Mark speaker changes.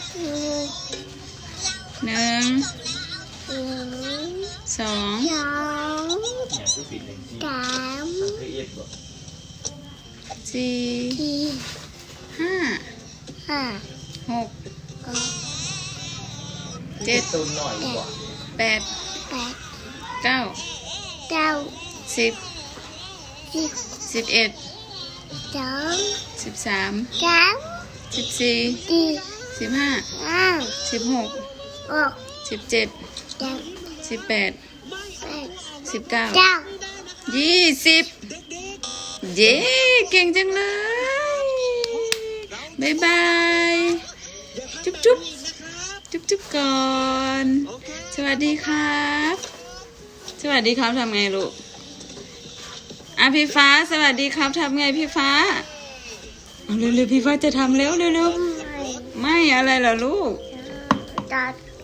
Speaker 1: 1 2 4 5 6 7 8 9 10 11 13 14 15 16 17 18 19 20เย้เก่งจังเลยบ๊ายบายจุ๊บจุ๊บจุ๊บจุ๊บก่อนสวัสดีครับสวัสดีครับทำไงลูกพี่ฟ้าสวัสดีครับทำไงพี่ฟ้าเร็วๆพี่ฟ้าจะทำแล้วเร็วๆไม่อะไรเหรอลูก